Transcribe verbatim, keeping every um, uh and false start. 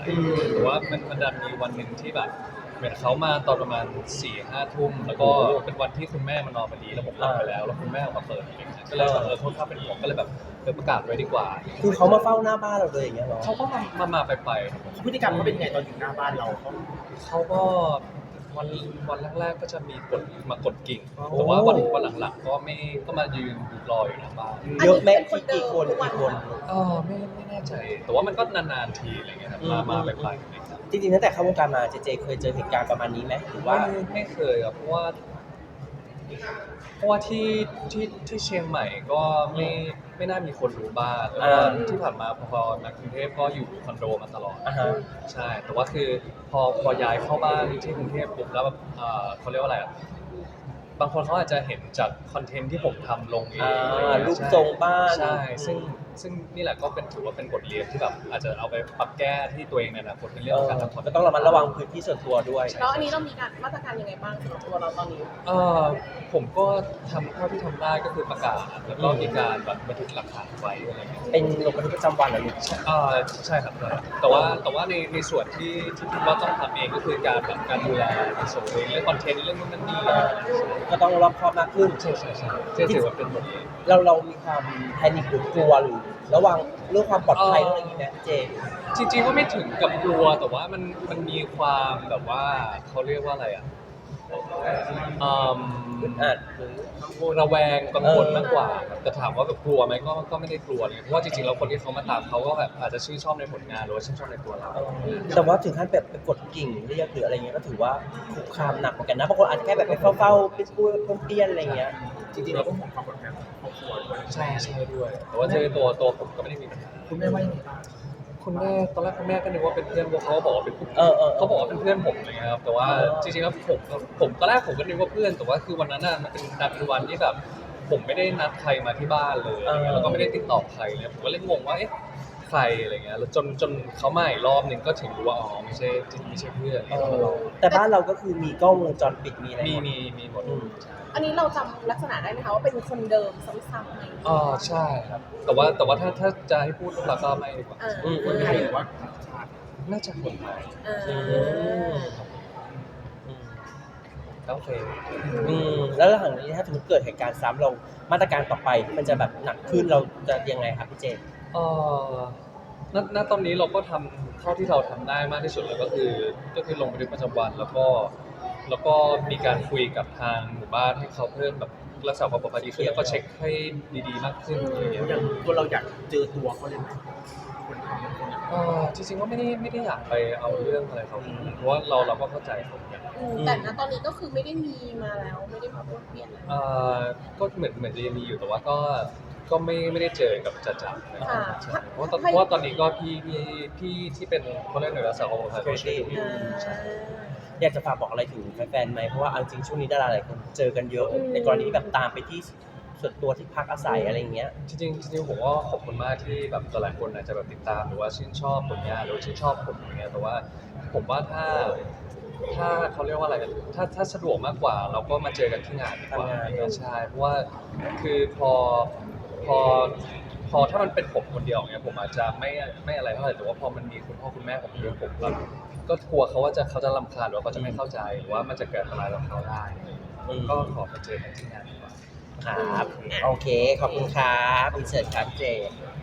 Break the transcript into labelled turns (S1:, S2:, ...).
S1: แต่ว่ามันมันดันมีวันหนึ่งที่แบบเหมือนเขามาตอนประมาณสี่ห้าทุ่มแล้วก็เป็นวันที่คุณแม่มานอนพอดีแล้วผมหลับไปแล้วแล้วคุณแม่ออกมาเปิดอะไรเงี้ยก็เลยแบบเออโทษครับเป็นห่วงก็เลยแบบเออประกาศไว้ดีกว่า
S2: คือเขามาเฝ้าหน้าบ้านเราเลยอย่างเงี้ยเหรอ
S1: เขาก็มามามาไปไปครับผม
S3: พฤติกรรมเขาเป็นยังไงตอนอยู่หน้าบ้านเราเขา
S1: เขาก็วันวันแรกๆก็จะมีกดมากดกิ่งแต่ว่าวันวันหลังๆก็ไม่ก็มายืนรออยู่หน้าบ้าน
S2: เยอะแม่กี่คนกี่คน
S1: เออไม่ไม่แน่ใจ แต่ว่ามันก็นานๆทีอะไรเงี้ยครับมามาไปไปอะไรเงี้ยครับ
S2: จริงๆตั้งแต่เข้าวงการมาเจเจเคยเจอเหตุการณ์ประมาณนี้ไหมหรือว่า
S1: ไม่ไม่เคยครับเพราะว่า เพราะว่าที่ที่ที่เชียงใหม่ก็ไม่ไม่น่ามีคนรู้บ้านแล้วก็ที่ผ่านมาพอมากรุงเทพก็อยู่คอนโดมาตลอด
S2: อ่าฮะ
S1: ใช่แต่ว่าคือพอพอย้ายเข้าบ้านที่กรุงเทพปุ๊บแล้วแบบเอ่อเขาเรียกว่าอะไรอ่ะบางคนเขาอาจจะเห็นจากคอนเทนต์ที่ผมทำลงเอง
S2: อ่า
S1: อะไรเงี้ย
S2: รูปทรงบ้าน
S1: ใช่ซึ่งซึ่งนี่แหละก็เป็นถือว่าเป็นบทเรียนที่แบบอาจจะเอาไปปรับแก้ที่ตัวเองในอนาคตในเรื่องของการทำคอนเทนต์
S2: ก็ต้องระมัดระวังพื้นที่ส่วนตัวด้วย
S4: แล้วอันนี้เรามีการมาตรการยังไงบ้างสำหรับตัวเราตอนนี้
S1: เอ่อผมก็ทำเท่าที่ทำได้ก็คือประกาศแล้วก็มีการแบบบันทึกหลักฐานไว้อะไรเงี้ย
S2: เป็นลงบันทึกประจำวันเหรอลูก
S1: อ่าใช่ครับใช่แต่ว่าแต่ว่าในในส่วนที่ที่คิดว่าต้องทำเองก็คือการแบบการดูแลในส่วนเองเรื่องคอนเทนต์เรื่องนู้นนั่นนี่อะไรเงี้ย
S2: ก็ต้องรอบคอบมากขึ้น
S1: ใช่ใช่ใช่ที่ถือว่าเป็นบทเรียน
S2: เราเรามีความแพนิคหรือกลัวหรือระวังเรื่องความปลอดภัยเรื่องอะไรอย่างนี้ไหมเจ
S1: จริงๆก็ไม่ถึงกับกลัวแต่ว่ามันมันมีความแบบว่าเขาเรียกว่าอะไรอ่ะอืม
S2: อ่าหรือ
S1: ระแวงกังวลมากกว่าครับแต่ถามว่าแบบกลัวไหมก็ก็ไม่ได้กลัวเลยเพราะว่าจริงๆแล้วคนที่เขามาตามเขาก็แบบอาจจะชื่นชอบในผลงานหรือว่าชื่นชอบในตัวเรา
S2: แต่ว่าถึงขั้นแบบไปกดกิ่งเรียกหรืออะไรเงี้ยก็ถือว่าคุกคามหนักเหมือนกันนะบางคนอาจจะแค่แบบไปเฝ้าๆไปพูดเปี้ยนๆอะไรเงี้ย
S3: จริงๆเราต้องห่วงความปลอดภัยของครอบครัวด้วย
S1: ใช่ใช่ด้วย แต่ว่าเจอตัวตัวผมก็ไม่ได้มีปัญหา
S3: คุณแม่ว่ายังไงบ้าง
S1: คุณแม่ตอนแรกคุณแม่ก็นึกว่าเป็นเพื่อนพวกเขาบอกว่าเป็นผู้
S2: เออเออ
S1: เขาบอกว่าเป็นเพื่อนผมอะไรเงี้ยครับแต่ว่าจริงๆแล้วผมผมตอนแรกผมก็นึกว่าเพื่อนแต่ว่าคือวันนั้นน่ะมันเป็นนัดเป็นวันที่แบบผมไม่ได้นัดใครมาที่บ้านเลยอะไรเงี้ยแล้วก็ไม่ได้ติดต่อใครเลยผมก็เลยงงว่าเอ๊ะใครอะไรเงี้ยแล้วจนจนเขามาอีกรอบหนึงก็ถึงรู้ว่าอ๋อไม่ใช่ไม่ใช่เพื่อน
S2: เออแต่บ้านเราก็คือมีกล้องวงจรปิดมีอะไร
S1: มี
S2: หมด
S1: มีมีหมด
S2: อืม
S4: อันนี้เราจำลักษณะได้ไหมคะว่าเป็นคนเดิมซ้ำๆไหม
S1: อ๋อใช่ครับแต่ว่าแต่ว่าถ้าถ้าจะให้พูดเราก็ไม่ดีกว่า
S4: อ่า
S2: อืม
S3: คนไทยหรือว่าชาติ
S1: น่าจะคนไทย
S4: อ่า
S2: อืม
S1: โอเค
S2: อืมแล้วหลังจากนี้ถ้าสมมติเกิดเหตุการณ์ซ้ำเรามาตรการต่อไปมันจะแบบหนักขึ้นเราจะยังไงครับพี่เจ
S1: เอ่อณณตอนนี้เราก็ทำเท่าที่เราทำได้มากที่สุดเลยก็คือก็คือลงบันทึกประจำวันแล้วก็แล้วก็มีการคุยกับทางหมู่บ้านให้เขาเพิ่มแบบรักษาความปลอดภัยดีขึ้นแล้วก็เช็คให้ดีๆมากขึ้นอะไรอย่างเงี้ย
S3: อย่างตัวเราอยากเจอตัวเขาเลยไหมคนทำคนท
S1: เอ่อจริงๆก็ไม่ได้ไม่ได้อยากไปเอาเรื่องอะไรเขาเพราะว่าเราเราก็เข้าใจเขาเหมือนกัน
S4: อืมแต่ณตอนนี้ก็คือไม่ได้มีมาแล้ว ไม่ได้มาพูดเปลี่ยนแล้ว
S1: เอ่อก็เหมือนเหมือนจะยังมีอยู่แต่ว่าก็ก็ไม่ไม่ได้เจอกับจัดจับนะ
S4: ค่ะ
S1: ใช่เพราะว่าตอนเพราะว่าตอนนี้ก็พี่พี่พี่ที่เป็นเขาเรียกหน่วยรักษาความปลอดภัยเขาช่วยดูอยู่
S4: อ่า
S1: ใช่
S2: อยากจะฝากบอกอะไรถึงแฟนๆไหมเพราะว่าเอาจริงช่วงนี้ดาราหลายคนเจอกันเยอะ
S4: อืม
S2: ในกรณีแบบตามไปที่ส่วนตัวที่พักอาศัยอะไรอย่างเงี้ย
S1: จริงๆจริงๆผมก็ขอบคุณมากที่แบบหลายคนอาจจะแบบติดตามหรือว่าชื่นชอบผลงานหรือว่าชื่นชอบผมอย่างเงี้ยแต่ว่าผมว่าถ้าถ้าเขาเรียกว่าอะไรกันถ้าถ้าสะดวกมากกว่า เราก็มาเจอกันที่งานดีกว่า
S2: ทำงาน
S1: อะไรเงี้ยใช่เพราะว่าคือพอพอพอถ้ามันเป็นผมคนเดียวเนี่ยผมอาจจะไม่ไม่อะไรเท่าไหร่แต่ว่าพอมันมีคุณพ่อคุณแม่ผมด้วยผมแบบก็กลัวเขาว่าจะเขาจะรำคาญหรือว่าเขาจะไม่เข้าใจหรือว่ามันจะเกิดอะไรกับเขาได้อะไรเงี้ยก็ขอมาเจอกันที่งานดีกว่า
S2: ครับ โอเค ขอบคุณครับอินเสิร์ตครับเจ